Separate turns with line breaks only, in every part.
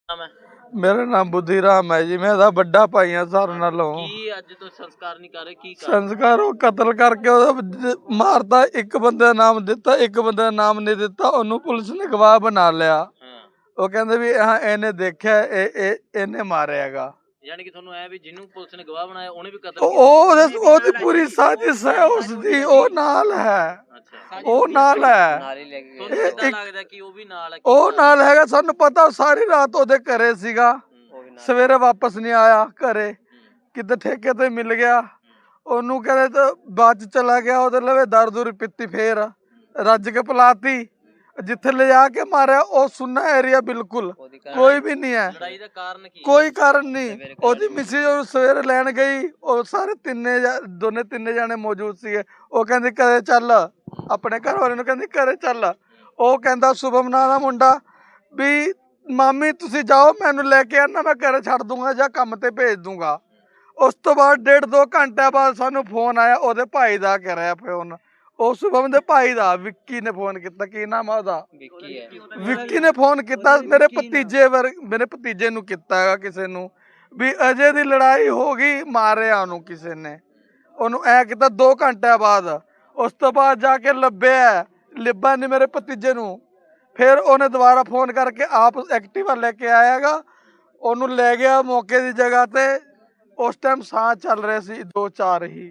ਨਾਮ ਹੈ?
मेरा नाम बुद्धीराम है जी। मैं दा बड़ा भाई हाँ सारे नालों।
ਕੀ ਅੱਜ ਤੋਂ ਸੰਸਕਾਰ नहीं कर रहे की कारण?
संस्कार वो कतल करके ਉਹਦਾ ਮਾਰਤਾ। ਇੱਕ ਬੰਦੇ ਦਾ ਨਾਮ ਦਿੱਤਾ, ਇੱਕ ਬੰਦੇ ਦਾ ਨਾਮ ਨਹੀਂ ਦਿੱਤਾ। ਉਹਨੂੰ ਪੁਲਿਸ ਨੇ ਗਵਾਹ ਬਣਾ ਲਿਆ।
ਹਾਂ,
ਉਹ ਕਹਿੰਦੇ ਵੀ ਹਾਂ ਇਹਨੇ ਦੇਖਿਆ, ਇਹਨੇ ਮਾਰਿਆਗਾ।
ਯਾਨੀ ਕਿ ਤੁਹਾਨੂੰ ਐ ਵੀ ਜਿਹਨੂੰ ਪੁਲਿਸ ਨੇ ਗਵਾਹ ਬਣਾਇਆ ਉਹਨੇ ਵੀ ਕਤਲ
ਉਹਦੀ ਪੂਰੀ ਸਾਜ਼ਿਸ਼ ਹੈ ਉਸਦੀ। ਉਹ ਨਾਲ ਹੈ,
ਅੱਛਾ,
ਉਹ ਨਾਲ ਹੈ।
ਤੁਹਾਨੂੰ ਕਿੱਦਾਂ ਲੱਗਦਾ ਕਿ ਉਹ ਵੀ ਨਾਲ ਹੈ?
ਉਹ ਨਾਲ ਹੈਗਾ, ਸਾਨੂੰ ਪਤਾ। ਸਾਰੀ ਰਾਤ ਉਹਦੇ ਘਰੇ ਸੀਗਾ, ਸਵੇਰੇ ਵਾਪਸ ਨਹੀਂ ਆਇਆ ਘਰੇ, ਕਿਤੇ ਠੇਕੇ ਤੇ ਮਿਲ ਗਿਆ। ਉਹਨੂੰ ਕਹਿੰਦੇ ਤਾਂ ਬਾਅਦ ਚ ਚਲਾ ਗਿਆ। ਉਹਦੇ ਲਵੇ ਦਾਰੂ ਦੂਰੀ ਪੀਤੀ, ਫੇਰ ਰੱਜ ਕੇ ਪਿਲਾਤੀ। ਜਿੱਥੇ ਲਿਜਾ ਕੇ ਮਾਰਿਆ ਉਹ ਸੁੰਨਾ ਏਰੀਆ, ਬਿਲਕੁਲ ਕੋਈ ਵੀ ਨਹੀਂ ਹੈ।
ਲੜਾਈ ਦਾ ਕਾਰਨ ਕੀ?
ਕੋਈ ਕਾਰਨ ਨਹੀਂ। ਉਹਦੀ ਮਿਸਿਸ ਉਹ ਸਵੇਰੇ ਲੈਣ ਗਈ, ਉਹ ਸਾਰੇ ਦੋਨੇ ਤਿੰਨੇ ਜਾਣੇ ਮੌਜੂਦ ਸੀਗੇ। ਉਹ ਕਹਿੰਦੀ ਘਰੇ ਚੱਲ, ਆਪਣੇ ਘਰ ਵਾਲੇ ਨੂੰ ਕਹਿੰਦੀ ਘਰੇ ਚੱਲ। ਉਹ ਕਹਿੰਦਾ ਸ਼ੁਭਮ ਨਾਂ ਦਾ ਮੁੰਡਾ ਵੀ ਮਾਮੀ ਤੁਸੀਂ ਜਾਓ, ਮੈਨੂੰ ਲੈ ਕੇ ਆਣਾ, ਮੈਂ ਘਰੇ ਛੱਡ ਦੂੰਗਾ ਜਾਂ ਕੰਮ ਤੇ ਭੇਜ ਦੂੰਗਾ। ਉਸ ਤੋਂ ਬਾਅਦ 1.5-2 ਘੰਟੇ ਬਾਅਦ ਸਾਨੂੰ ਫੋਨ ਆਇਆ ਉਹਦੇ ਭਾਈ ਦਾ ਕਰਿਆ ਫੋਨ। ਉਹ ਸ਼ੁਭਮ ਦੇ ਭਾਈ ਦਾ, ਵਿੱਕੀ ਨੇ ਫੋਨ ਕੀਤਾ। ਕੀ ਨਾਮ ਆ ਉਹਦਾ? ਵਿੱਕੀ ਨੇ ਫੋਨ ਕੀਤਾ ਮੇਰੇ ਭਤੀਜੇ ਨੂੰ ਕੀਤਾ ਹੈਗਾ ਕਿਸੇ ਨੂੰ, ਵੀ ਅਜੇ ਦੀ ਲੜਾਈ ਹੋ ਗਈ, ਮਾਰਿਆ ਉਹਨੂੰ ਕਿਸੇ ਨੇ। ਉਹਨੂੰ ਐ ਕੀਤਾ 2 ਘੰਟਿਆਂ ਬਾਅਦ। ਉਸ ਤੋਂ ਬਾਅਦ ਜਾ ਕੇ ਲੱਭਾ ਨਹੀਂ ਮੇਰੇ ਭਤੀਜੇ ਨੂੰ। ਫਿਰ ਉਹਨੇ ਦੁਬਾਰਾ ਫੋਨ ਕਰਕੇ ਆਪ ਐਕਟਿਵਾ ਲੈ ਕੇ ਆਇਆਗਾ, ਉਹਨੂੰ ਲੈ ਗਿਆ ਮੌਕੇ ਦੀ ਜਗ੍ਹਾ ਤੇ। ਉਸ ਟਾਈਮ ਸਾਹ ਚੱਲ ਰਹੇ ਸੀ 2-4 ਹੀ।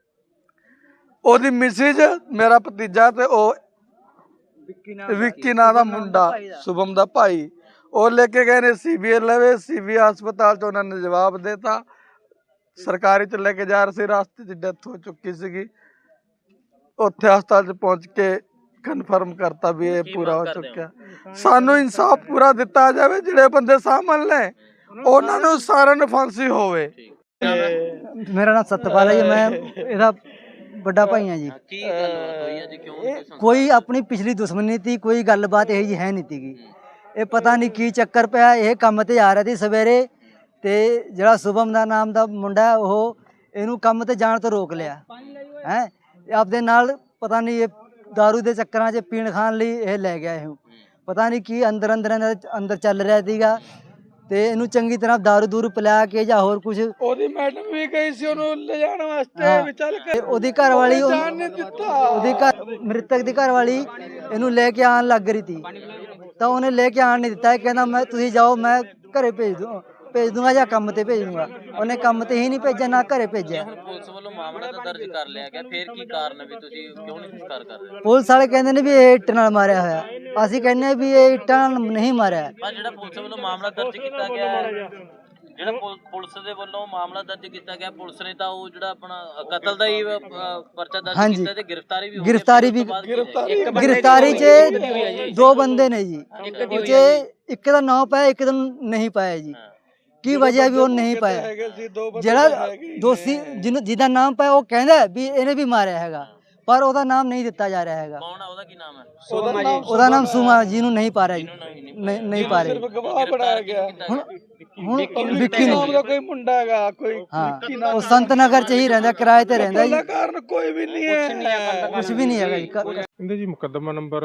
ਉਹਦੀ ਮਿਸਿਜ, ਮੇਰਾ ਭਤੀਜਾ ਤੇ ਉਹ ਵਿੱਕੀ ਨਾਂ ਦਾ ਮੁੰਡਾ, ਸ਼ੁਭਮ ਦਾ ਭਾਈ, ਉਹ ਲੈ ਕੇ ਗਏ ਨੇ ਸੀਬੀਆਈ ਲਵੇ। ਸੀਬੀਆਈ ਹਸਪਤਾਲ ਚ ਉਹਨਾਂ ਨੇ ਜਵਾਬ ਦੇਤਾ। ਸਰਕਾਰੀ ਚ ਲੈ ਕੇ ਜਾ ਰਹੇ ਸੀ, ਰਾਸਤੇ ਚ ਡੈਥ ਹੋ ਚੁੱਕੀ ਸੀਗੀ। ਉੱਥੇ ਹਸਪਤਾਲ ਚ ਪਹੁੰਚ ਕੇ ਕਨਫਰਮ ਕਰਤਾ ਵੀ ਇਹ ਪੂਰਾ ਹੋ ਚੁੱਕਿਆ। ਸਾਨੂੰ ਇਨਸਾਫ ਪੂਰਾ ਦਿੱਤਾ ਜਾਵੇ। ਜਿਹੜੇ ਬੰਦੇ ਸਾਹਮਣੇ ਨੇ ਉਹਨਾਂ ਨੂੰ ਸਾਰਿਆਂ ਨੂੰ ਫਾਂਸੀ ਹੋਵੇ।
मेरा नाम सतपाल है जी, मैं ਇਹਦਾ ਵੱਡਾ ਭਾਈ ਹਾਂ ਜੀ।
ਕੀ ਗੱਲਬਾਤ ਹੋਈ ਅੱਜ? ਕਿਉਂ ਨਹੀਂ ਕੋਈ
ਕੋਈ ਆਪਣੀ ਪਿਛਲੀ ਦੁਸ਼ਮਣੀ ਤੀ, ਕੋਈ ਗੱਲਬਾਤ ਇਹ ਜੀ ਹੈ ਨਹੀਂ ਤੀਗੀ। ਇਹ ਪਤਾ ਨਹੀਂ ਕੀ ਚੱਕਰ ਪਿਆ। ਇਹ ਕੰਮ ਤੇ ਆ ਰਿਹਾ ਸੀ ਸਵੇਰੇ, ਤੇ ਜਿਹੜਾ ਸ਼ੁਭਮ ਦਾ ਨਾਮ ਦਾ ਮੁੰਡਾ ਉਹ ਇਹਨੂੰ ਕੰਮ ਤੇ ਜਾਣ ਤੋਂ ਰੋਕ ਲਿਆ ਹੈ। ਆਪਦੇ ਨਾਲ ਪਤਾ ਨਹੀਂ ਇਹ दारू ਦੇ ਚੱਕਰਾਂ 'ਚ ਪੀਣ ਖਾਣ ਲਈ ਇਹ ਲੈ ਗਿਆ। ਇਹ ਪਤਾ ਨਹੀਂ ਕੀ ਅੰਦਰ ਚੱਲ ਰਿਹਾ ਸੀਗਾ, ਤੇ ਇਹਨੂੰ ਚੰਗੀ ਤਰ੍ਹਾਂ दारू ਦੂਰੂ ਪਿਲਾ ਕੇ ਜਾਂ ਹੋਰ ਕੁਝ।
ਉਹਦੀ ਮੈਡਮ ਵੀ ਗਈ ਸੀ ਉਹਨੂੰ ਲੈ ਜਾਣ ਵਾਸਤੇ, ਵੀ ਚੱਲ ਕੇ
ਉਹਦੀ ਘਰ ਵਾਲੀ,
ਜਾਣ ਨਹੀਂ ਦਿੱਤਾ।
ਉਹਦੀ ਮ੍ਰਿਤਕ ਦੀ ਘਰ ਵਾਲੀ ਇਹਨੂੰ ਲੈ ਕੇ ਆਉਣ ਲੱਗ ਰਹੀ ਸੀ, ਤਾਂ ਉਹਨੇ ਲੈ ਕੇ ਆਉਣ ਨਹੀਂ ਦਿੱਤਾ। ਕਹਿੰਦਾ ਮੈਂ ਤੁਸੀਂ ਜਾਓ, ਮੈਂ ਘਰੇ ਭੇਜ ਦੂੰਗਾ ਜਾਂ ਕੰਮ ਤੇ ਭੇਜ ਦੂੰਗਾ। ਉਹਨੇ ਕੰਮ ਤੇ ਹੀ ਨਹੀਂ ਭੇਜਿਆ, ਨਾ ਘਰੇ ਭੇਜਿਆ।
ਹੁਣ ਪੁਲਿਸ ਵੱਲੋਂ ਮਾਮਲਾ ਤਾਂ ਦਰਜ ਕਰ ਲਿਆ ਗਿਆ, ਫਿਰ ਕੀ ਕਾਰਨ ਵੀ ਤੁਸੀਂ ਕਿਉਂ ਨਹੀਂ ਸੰਸਕਾਰ ਕਰ ਰਹੇ?
ਪੁਲਿਸ ਵਾਲੇ ਕਹਿੰਦੇ ਨੇ ਵੀ ਇਹ ਇੱਟ ਨਾਲ ਮਾਰਿਆ ਹੋਇਆ। ਅਸੀਂ ਕਹਿੰਦੇ ਵੀ ਇਹ ਇੱਟਾਂ ਨਾਲ ਨਹੀਂ ਮਾਰਿਆ।
ਪਰ ਜਿਹੜਾ ਪੁਲਿਸ ਵੱਲੋਂ ਮਾਮਲਾ ਦਰਜ ਕੀਤਾ ਗਿਆ ਹੈ, ਜਿਹੜਾ ਪੁਲਿਸ ਦੇ ਵੱਲੋਂ ਮਾਮਲਾ ਦਰਜ ਕੀਤਾ ਗਿਆ, ਪੁਲਿਸ ਨੇ ਤਾਂ ਉਹ ਜਿਹੜਾ ਆਪਣਾ ਕਤਲ ਦਾ ਹੀ ਪਰਚਾ ਦਰਜ ਕੀਤਾ ਤੇ ਗ੍ਰਿਫਤਾਰੀ ਵੀ ਗ੍ਰਿਫਤਾਰੀ 'ਚ 2 ਬੰਦੇ ਨੇ ਜੀ। ਉਹ 'ਚ ਇੱਕ ਦਾ ਨਾਮ ਪਾਇਆ, ਇੱਕ ਦਾ ਨਹੀਂ ਪਾਇਆ ਜੀ। ਕੀ ਵਜ੍ਹਾ ਵੀ ਉਹ ਨਹੀਂ ਪਾਇਆ? ਜਿਹੜਾ ਦੋਸ਼ੀ ਜਿਹਦਾ ਨਾਮ ਪਾਇਆ ਉਹ ਕਹਿੰਦਾ ਵੀ ਇਹਨੇ ਵੀ ਮਾਰਿਆ ਹੈਗਾ, ਪਰ ਉਹਦਾ ਨਾਮ ਨਹੀਂ ਦਿੱਤਾ ਜਾ ਰਿਹਾ ਹੈਗਾ। ਕੌਣ ਹੈ? ਉਹਦਾ ਕੀ ਨਾਮ ਹੈ?
ਉਹਦਾ ਨਾਮ ਸੁਮਾ, ਜਿਹਨੂੰ ਨਹੀਂ ਪਾ ਰਿਹਾ ਜੀ, ਨਹੀਂ ਪਾ ਰਿਹਾ।
ਸਿਰਫ ਗਵਾਹ ਬਣਾਇਆ ਗਿਆ।
ਹੁਣ ਵਿੱਕੀ
ਨਾਮ ਦਾ ਕੋਈ ਮੁੰਡਾ ਹੈਗਾ, ਕੋਈ
ਹਾਂ, ਉਹ ਸੰਤ ਨਗਰ 'ਚ ਹੀ ਰਹਿੰਦਾ, ਕਿਰਾਏ ਤੇ ਰਹਿੰਦਾ ਜੀ।
ਕਾਰਨ ਕੋਈ ਵੀ ਨਹੀਂ ਹੈ,
ਕੁਝ ਵੀ ਨਹੀਂ ਹੈਗਾ ਜੀ।
ਇਹਦੇ ਜੀ ਮੁਕੱਦਮਾ ਨੰਬਰ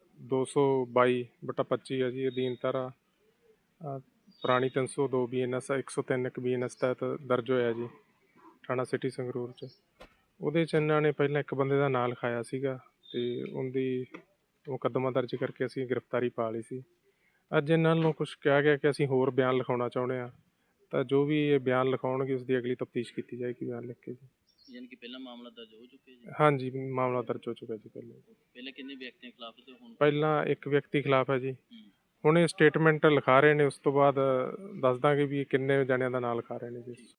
222/25 ਹੈ ਜੀ। ਅਧੀਨ ਧਾਰਾ ਪੁਰਾਣੀ 302 BNS 103 BNS ਤਹਿਤ ਦਰਜ ਹੋਇਆ ਜੀ, ਥਾਣਾ ਸਿਟੀ ਸੰਗਰੂਰ 'ਚ। ਉਹਦੇ 'ਚ ਇਹਨਾਂ ਨੇ ਪਹਿਲਾਂ ਇੱਕ ਬੰਦੇ ਦਾ ਨਾਂ ਲਿਖਾਇਆ ਸੀਗਾ, ਤੇ ਉਹਦੀ ਮੁਕੱਦਮਾ ਦਰਜ ਕਰਕੇ ਅਸੀਂ ਗ੍ਰਿਫਤਾਰੀ ਪਾ ਲਈ ਸੀ। ਅੱਜ ਇਹਨਾਂ ਨੂੰ ਕੁਛ ਕਿਹਾ ਗਿਆ ਕਿ ਅਸੀਂ ਹੋਰ ਬਿਆਨ ਲਿਖਾਉਣਾ ਚਾਹੁੰਦੇ ਹਾਂ, ਤਾਂ ਜੋ ਵੀ ਇਹ ਬਿਆਨ ਲਿਖਾਉਣਗੇ ਉਸ ਦੀ ਅਗਲੀ ਤਫਤੀਸ਼ ਕੀਤੀ ਜਾਏਗੀ ਬਿਆਨ ਲਿਖ ਕੇ ਜੀ।
ਯਾਨੀ ਕਿ ਪਹਿਲਾਂ ਮਾਮਲਾ ਦਰਜ ਹੋ ਚੁੱਕਿਆ ਜੀ?
ਹਾਂਜੀ, ਮਾਮਲਾ ਦਰਜ ਹੋ ਚੁੱਕਾ ਜੀ।
ਪਹਿਲੇ ਕਿੰਨੇ ਵਿਅਕਤੀਆਂ ਖਿਲਾਫ ਤੇ ਹੁਣ?
ਪਹਿਲਾਂ ਇੱਕ ਵਿਅਕਤੀ ਖਿਲਾਫ ਹੈ ਜੀ। ਹੁਣ ਇਹ ਸਟੇਟਮੈਂਟ ਲਿਖਾ ਰਹੇ ਨੇ, ਉਸ ਤੋਂ ਬਾਅਦ ਦੱਸ ਦਾਂਗੇ ਵੀ ਕਿੰਨੇ ਜਣਿਆਂ ਦਾ ਨਾਂ ਲਿਖਾ ਰਹੇ ਨੇ ਜੀ।